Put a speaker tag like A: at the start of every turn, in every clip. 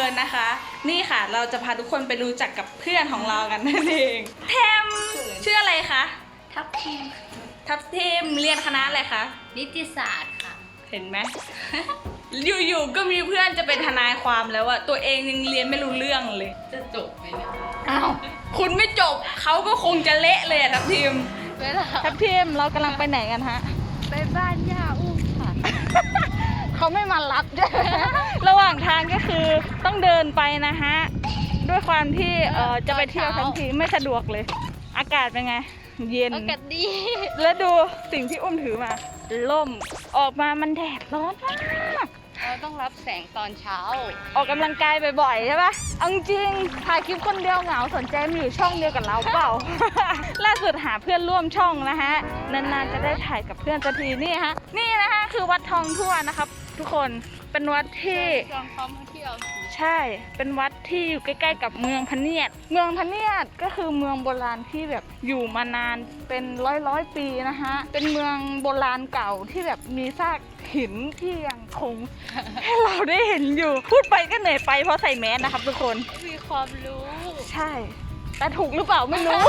A: ญนะคะ นี่ค่ะเราจะพาทุกคนไปรู้จักกับเพื่อนของเรากันนั่นเองแทมชื่ออะไรคะ
B: ทับทิม
A: ทับทิมเรียนคณะอะไรคะ
B: นิติศาสตร์ค่ะ
A: เห็นไหม อยู่ๆก็มีเพื่อนจะเป็นทนายความแล้วอะตัวเองยังเรียนไม่รู้เรื่องเลย
B: จะจบไหมเนี่ย
A: อ้าวคุณไม่จบเขาก็คงจะเละเลยทับทิมทับทิมเรากำลังไปไหนกันฮะ
B: ไปบ้านย่าอุ้มค่ะ
A: เขาไม่มารับระหว่างทางก็คือต้องเดินไปนะฮะด้วยความที่จะไปเที่ยวทั้งทีไม่สะดวกเลยอากาศเป็นไงเย็น
B: อากาศดี
A: แล้วดูสิ่งที่อุ้มถือมาล่มออกมามันแดดร้อนมาก
B: เราต้องรับแสงตอนเช้า
A: ออกกำลังกายบ่อยๆใช่ปะเอาจริงถ่ายคลิปคนเดียวเหงาสนใจมาอยู่ช่องเดียวกับเราเปล่า ล่าสุดหาเพื่อนร่วมช่องนะฮะนานๆจะได้ถ่ายกับเพื่อนสักทีนี่ฮะนี่นะฮะคือวัดทองทั่วนะครับทุกคนเป็นวัดที่ใช่เป็นวัดที่อยู่ใกล้ๆกับเมืองพะเนียดเมืองพะเนียดก็คือเมืองโบราณที่แบบอยู่มานานเป็นร้อยปีนะฮะเป็นเมืองโบราณเก่าที่แบบมีซากหินที่ยังคง ให้เราได้เห็นอยู่พูดไปก็เหนื่อยไปเพราะใส่แมสนะครับทุกคน
B: มีความรู้
A: ใช่แต่ถูกหรือเปล่าไม่รู้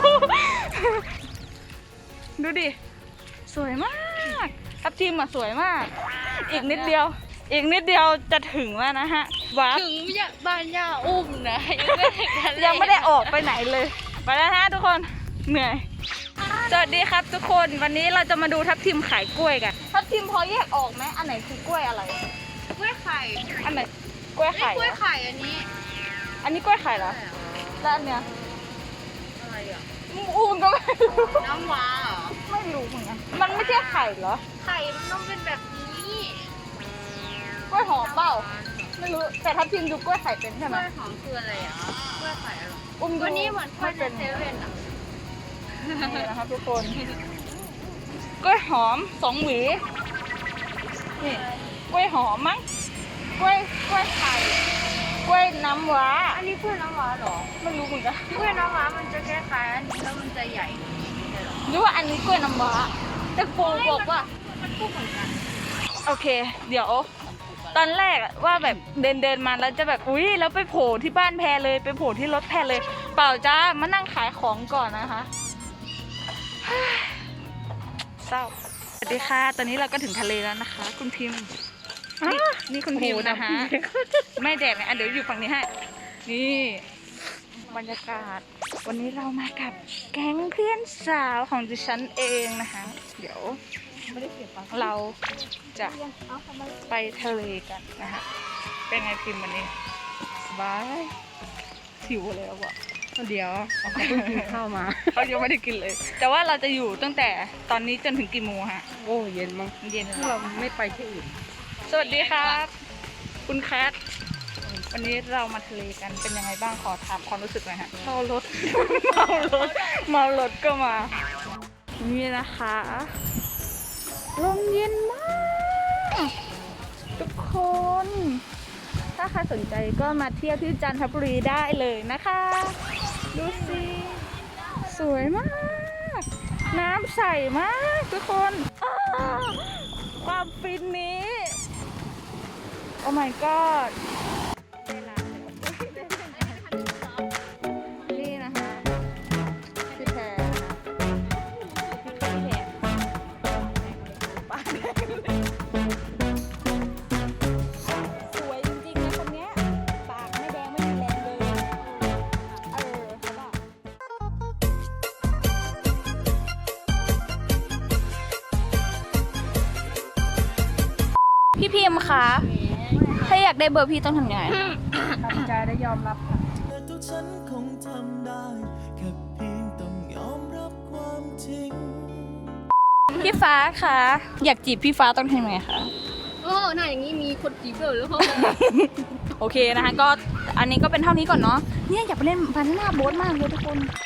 A: ดูดิสวยมากทับทิมอ่ะสวยมากอีกนิดเดียวจะถึงแล้วนะฮะวัด
B: ถึงบ้านย่าอุ้มนะ
A: ยังไม่ได้ออกไปไหนเลยไปแล้วฮะทุกคนเหนื่อยสวัสดีครับทุกคนวันนี้เราจะมาดูทับทิมขายกล้วยกันทับทิมพอแยกออกไหมอันไหนคือกล้วยอะไร
B: กล้วยไข่
A: อันไหนกล้วยไข่
B: กล้วยไข่อันนี้
A: กล้วยไข่เหรอแล้วอันเนี้ย
B: อะไรอ่ะ
A: อูนก็ไม่รู้
B: น้ำว้า
A: ไม่รู้เหมือนกันมันไม่ใช่ไข่เหรอ
B: ไข่มันต้องเป็นแบบนี้
A: กล้วยหอมเปล่าไม่รู้แต่ทับทิมดูกล้วยไข่เป็นใช่ไหม
B: กล้วยหอมคืออะไรอ่ะกล้วยไข่อะไร
A: วัน
B: นี้เหมือนกล้วยเซเว่นอ่ะ
A: นี่นะครับทุกคนกล้วยหอม2 หวีนี่กล้วยหอมมั้งกล้วยไข่กล้วยน้ำว้า
B: อันนี้กล้วยน้ำว้าหรอ
A: ไม่รู้เหมือนกัน
B: กล้วยน้ำว้ามันจะคล้ายๆอันนี้แล้วมันจะใหญ่
A: หรือว่าอันนี้กล้วยน้ำว้าแต่โฟบอกว่า
B: มันก็เหมือนกัน
A: โอเคเดี๋ยวตอนแรกว่าแบบเดินมาแล้วจะแบบอุ๊ยแล้วไปโผล่ที่บ้านแพรเลยไปโผล่ที่รถแพรเลยเปล่าจ้ามานั่งขายของก่อนนะคะเศร้าสวัสดีค่ะตอนนี้เราก็ถึงทะเลแล้วนะคะคุณพิมพ์นี่คุณพิมพ์นะคะไม่แดดนะเดี๋ยวอยู่ฝั่งนี้ให้นี่บรรยากาศวันนี้เรามากับแก๊งเพื่อนสาวของดิฉันเองนะคะเดี๋ยวเราจะไปทะเลกันนะคะเป็นไงพิมพ์วันนี้สบายหิวเลยว่ะ
B: เดี๋ยวเขาเพิ่งกินข้าวมา
A: เขายังไม่ได้กินเลยแต่ว่าเราจะอยู่ตั้งแต่ตอนนี้จนถึงกี่โมงฮะ
B: โอ้เย็นมั้ง
A: เย็น
B: เราไม่ไปที่อื่น
A: สวัสดีครับคุณแคทวันนี้เรามาทะเลกันเป็นยังไงบ้างขอถามความรู้สึกหน่อยฮะเมารถก็มานี่นะคะลมเย็นมากทุกคนถ้าใครสนใจก็มาเที่ยวที่จันทบุรีได้เลยนะคะดูสิสวยมากน้ำใสมากทุกคนความฟินนี้โอ้ my god นี่นะคะพี่แพรนะคะสวยจริงๆนะคนนี้ปากไม่แดงไม่มีแรงเลยเขาบอกพี่พิมพ์คะถ้าอยากได้เบอร์พี่ต้องทำยังไง
B: ทำใจได้ยอมรับค่ะ
C: ทุกฉันคงทำได้แค่เพียงต้องยอมรับความจริง
A: พี่ฟ้าคะอยากจีบพี่ฟ้าต้องทำยังไงคะ
B: โอ้หน้าอย่างนี้มีคนจีบเลยหรือเปล่า
A: โอเคนะคะก็อันนี้ก็เป็นเท่านี้ก่อนเนาะเนี่ยอยากไปเล่นบานาน่าโบ๊ทมากเลยทุกคน